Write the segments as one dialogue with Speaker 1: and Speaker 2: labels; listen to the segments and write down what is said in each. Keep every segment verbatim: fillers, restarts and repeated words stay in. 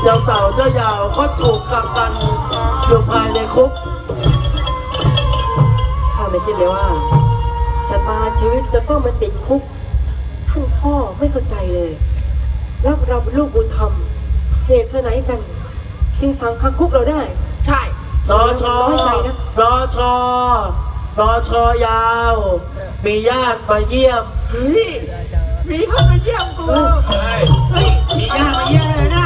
Speaker 1: เจ้าเต่าเจ้ายาวก็ถูกกักกันอยู่ภายในคุก
Speaker 2: ข้าไม่คิดเลยว่าชะตาชีวิตจะต้องมาติดคุกท่านพ่อไม่เข้าใจเลยรับเราเป็นลูกบุญธรรมเหตุไหนกันสิงสังคังคุกเราได้
Speaker 3: ใช่
Speaker 1: รอชอ
Speaker 2: น้อยใจนะ
Speaker 1: รอชอรอชอยาว มีญาติมาเยี่ยม
Speaker 3: เฮ้ยมีคนมาเยี่ยมกูเฮ้ยเฮ้ยมีญาติมาเยี่ยมเลยนะ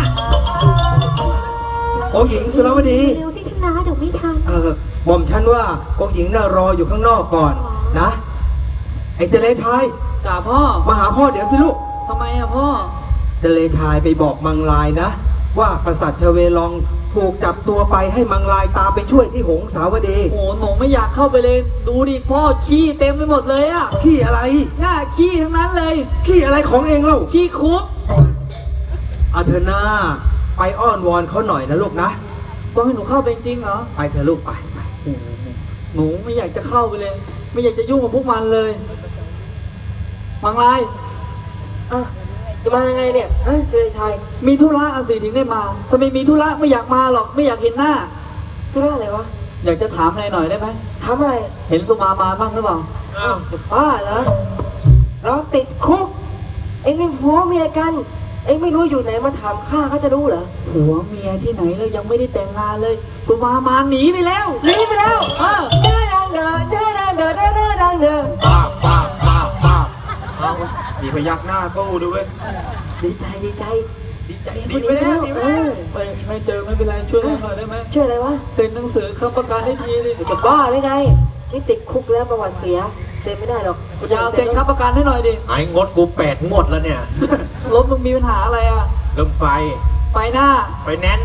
Speaker 4: องค์หญิงสุรวดี
Speaker 5: เร็วสิท่านนาเดี๋ยวไม่ทัน
Speaker 4: เออหม่อมฉันว่าองค์หญิงน่ารออยู่ข้างนอกก่อนนะไอ้เตเลทาย
Speaker 2: จ่าพ่อ
Speaker 4: มาหาพ่อเดี๋ยวสิลูก
Speaker 2: ทำไมอะพ่อ
Speaker 4: เตเลทายไปบอกมังลายนะว่ากษัตริย์ชเวลองถูกจับตัวไปให้มังลายตามไปช่วยที่หงสาวดี
Speaker 2: โอ้หนูไม่อยากเข้าไปเลยดูดิพ่อขี้เต็มไปหมดเลยอะ
Speaker 4: ขี้อะไร
Speaker 2: หน้าขี้ทั้งนั้นเลย
Speaker 4: ขี้อะไรของเองเล่า
Speaker 2: ขี้คุก
Speaker 4: อาเธอนาไปอ้อนวอนเขาหน่อยนะลูกนะ
Speaker 2: ต้องให้หนูเข้าไปจริงเหรอ
Speaker 4: ไปเถอะลูกไปไป
Speaker 2: หนูไม่อยากจะเข้าไปเลยไม่อยากจะยุ่งกับพวกมันเลยมังลายอ่ะจะมายังไงเนี่ยฮะเจริญชัยมีธุระอาสิถึงได้มาถ้าไม่มีธุระไม่อยากมาหรอกไม่อยากเห็นหน้าธุระอะไรวะอยากจะถามอะไรหน่อยได้ไหมถามอะไรเห็นสุมามาบ้างหรือเปล่าอ้าวจะบ้าเหรอเราติดคุกเอ็งเป็นผัวเมียกันเอ็งไม่รู้อยู่ไหนมาถามข้าเขาจะรู้เหรอผัวเมียที่ไหนเรายังไม่ได้แต่งงานเลยสุมามาหนีไปแล้วหนีไปแล้วเออเด้อดังเด้อเด้อดังเด้อเด้อเด้อดังเด้อ
Speaker 3: ป้าป้าป้าป้ามีพยักหน้าสู้ด้วย
Speaker 2: ดีใจดีใจ
Speaker 3: ดีใจดีไปแล้วดีไปแล้ว
Speaker 2: ไม่ไม่เจอไม่เป็นไรช่วยหน่อยได้ไหมช่วยอะไรวะเซ็นหนังสือคำประกันให้ทีดิจะบ้าได้ไงนี่ติดคุกแล้วประวัติเสียเซ็นไม่ได้หรอกอย่าเซ็นคำประกันให้หน่อยดิ
Speaker 3: ไอ้งดกูแปดหมดแล้วเนี่ย
Speaker 2: รถมึงมีปัญหาอะไรอ่ะ
Speaker 3: เรื่องไฟ
Speaker 2: ไฟหน้า
Speaker 3: ไฟแน่น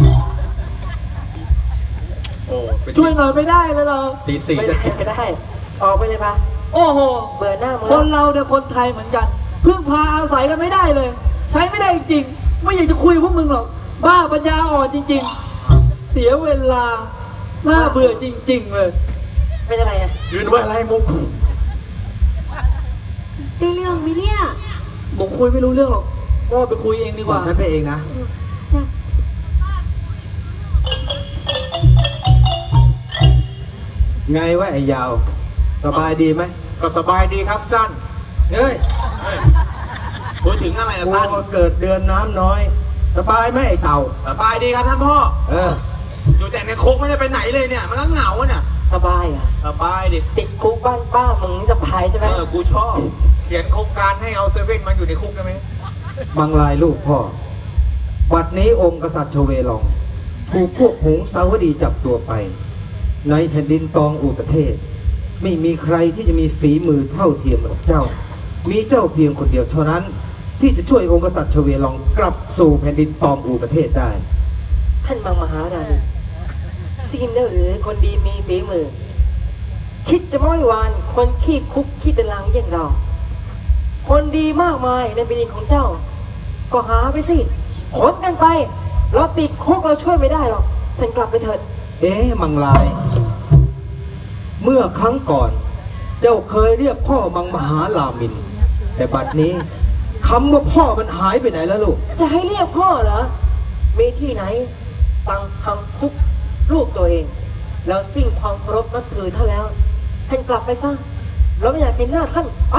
Speaker 2: โอ้ช่วยหน่อยไม่ได้เลยเหรอ
Speaker 3: ตีสี่
Speaker 2: ไม่ได้ไม่ได้ออกไปเลยปะโอ้โหเบื่อหน้าคนเราเนี่ยคนไทยเหมือนกันพึ่งพาอาศัยกันไม่ได้เลยใช้ไม่ได้จริงไม่อยากจะคุยพวกมึงหรอกบ้าปัญญาอ่อนจริงๆเสียเวลาน่าเบื่อจริงๆเลยเป็นอะไรอ่ะ
Speaker 3: ยืนไว้อะไรมุก
Speaker 5: ได้เรื่องไหมเนี่ย
Speaker 2: ผมคุยไม่รู้เรื่องหรอกก็ไปคุยเองดีกว่า
Speaker 4: ฉันไปเองนะ
Speaker 5: จ้ะ
Speaker 4: ไงวะไอ้ยาวสบายดีไหม
Speaker 3: ก็สบายดีครับสั้น
Speaker 4: เฮ้ย
Speaker 3: พูดถึงอะไรนะสั้น
Speaker 4: เกิดเดือนน้ำน้อยสบายไหมไอ้เต่า
Speaker 3: สบายดีครับท่านพ่อ
Speaker 4: เออ
Speaker 3: อยู่แต่ในคุกไม่ได้ไปไหนเลยเนี่ยมันก็เหงาเนี่ย
Speaker 2: สบายอ่ะ
Speaker 3: สบายดิ
Speaker 2: ติดคุกบ้านป้ามึงนี่สบายใช่ไหม
Speaker 3: เออกูชอบเขียนโครงการให้เอาเซเว่นมาอยู่ในคุกได้ไหม
Speaker 4: มังลายลูกพ่อบัดนี้องค์กษัตริย์ชเวลองถูกพวกหงสาวดีจับตัวไปในแผ่นดินตองอุตเทศไม่มีใครที่จะมีฝีมือเท่าเทียมกับเจ้ามีเจ้าเพียงคนเดียวเท่านั้นที่จะช่วยองค์กษัตริย์ชเวลองกลับสู่แผ่นดินตองอูประเทศได้
Speaker 2: ท่านมังมหาราณีซีนแล้วหรือคนดีมีฝีมือคิดจะม้อยวานคนขี้คุกขี้ตารางอย่างเราคนดีมากมายในแผ่นดินของเจ้าก็หาไปสิขนกันไปเราติดคุกเราช่วยไม่ได้หรอกท่านกลับไปเถิด
Speaker 4: เอ๊ะมังลายเมื่อครั้งก่อนเจ้าเคยเรียกพ่อมังมหาลามินแต่บัดนี้คำว่าพ่อมันหายไปไหนแล้วลูก
Speaker 2: จะให้เรียกพ่อเหรอมีที่ไหนสั่งคำคุกลูกตัวเองแล้วสิ้นความเคารพนับถือท่านแล้วท่านกลับไปซะเราไม่อยากเห็นหน้าท่านไป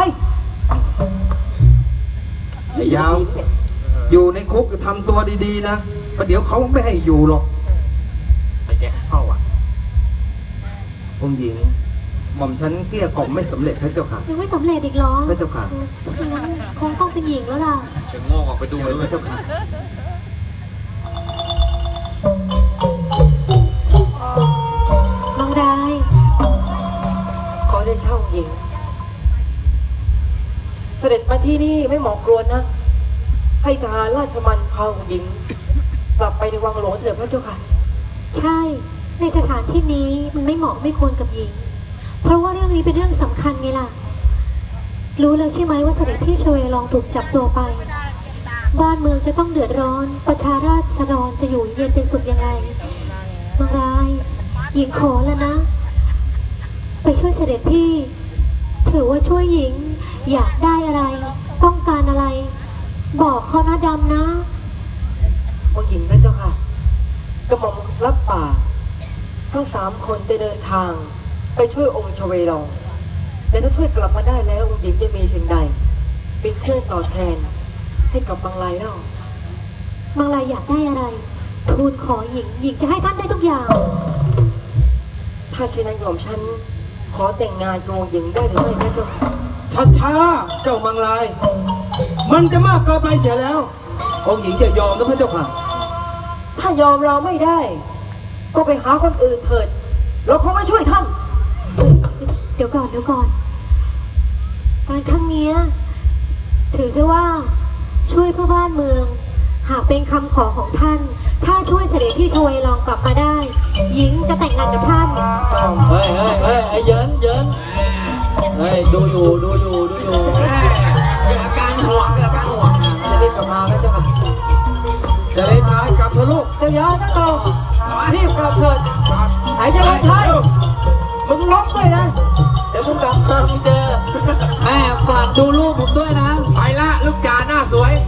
Speaker 4: ไอ้ยาวอยู่ในคุกจะทำตัวดีๆนะประเดี๋ยวเขาไม่ให้อยู่หรอก
Speaker 3: ไปแกะเข้าอ่ะ
Speaker 4: องค์หญิงหม่อมฉันเกลี้ยกล่อมไม่สำเร็จพระเจ้าค่ะ
Speaker 5: ยังไม่สำเร็จอีกเหรอ
Speaker 4: พระเจ้าค่ะ
Speaker 5: ถ้าอย่างนั้นคงต้องเป็นหญิงแล้วล่ะ
Speaker 3: เชิงโง่ออกไปดูเลย
Speaker 4: พระเจ้าค่ะ
Speaker 5: มังราย
Speaker 2: ขอได้เช่าหญิงเสด็จมาที่นี่ไม่เหมาะกรวนนะให้ทหารราชมันพาหญิงกลับไปในวังหลวงเถิดพระเจ้าค่ะ
Speaker 5: ใช่ในสถานที่นี้มันไม่เหมาะไม่ควรกับหญิงเพราะว่าเรื่องนี้เป็นเรื่องสำคัญไงล่ะรู้แล้วใช่ไหมว่าเสด็จพี่ชเวลองถูกจับตัวไปบ้านเมืองจะต้องเดือดร้อนประชาราษฎรจะอยู่เย็นเป็นสุขยังไงมังรายหญิงขอแล้วนะไปช่วยเสด็จพี่ถือว่าช่วยหญิงอยากได้อะไรต้องการอะไรบอกเขานะดำนะ
Speaker 2: ว่าหญิงพระเจ้า
Speaker 6: กระหม่อมรับปากทั้งสามคนจะเดินทางไปช่วยองค์ชเวลองแต่ถ้าช่วยกลับมาได้แล้วองค์หญิงจะมีสิ่งใดเป็นเครื่องตอบแทนให้กับบางรายเล่า
Speaker 5: บางรายอยากได้อะไรทูลขอหญิงหญิงจะให้ท่านได้ทุกอย่าง
Speaker 6: ถ้าเช่นนั้นของฉันขอแต่งงานกับองค์หญิงได้หรือไม่พระเจ้าค่ะ
Speaker 4: ช้าช้าๆเจ้ามังลาย มันจะมากเกินไปเสียแล้ว องค์หญิงอย่ายอมนะพระเจ้าค่ะ
Speaker 6: ถ้ายอมเราไม่ได้ ก็ไปหาคนอื่นเถิด เราคงไม่ช่วยท่าน
Speaker 5: เดี๋ยวก่อนเดี๋ยวก่อนการครั้งเนี้ยถือซะว่าช่วยเพื่อบ้านเมือง หากเป็นคำขอของท่าน ถ้าช่วยเสด็จพี่ชเวลองกลับมาได้ หญิงจะแต่งงานกับท่าน
Speaker 2: เฮ้ยเฮ้ยเฮ้ยไอ้เยินเยินเฮ้ยดูอยู่ดูอยู่ดูอยู่
Speaker 3: เกิดอาการห่วงเกิดอาการห่วง
Speaker 6: จะรีบกลับมาพระเจ้าค่ะ
Speaker 4: จะเลยท้ายกลับเถอะลูก
Speaker 6: เจ้ายาทั้งตองรีบกลับเถิดหายใจว่าใช่มึงล็อกด้วยนะ เดี๋ยวมึงกลับมามึงเจอ
Speaker 2: แม่ฝากดูลูกผมด้วยนะ
Speaker 3: ไปละลูกจ่าหน้าสวย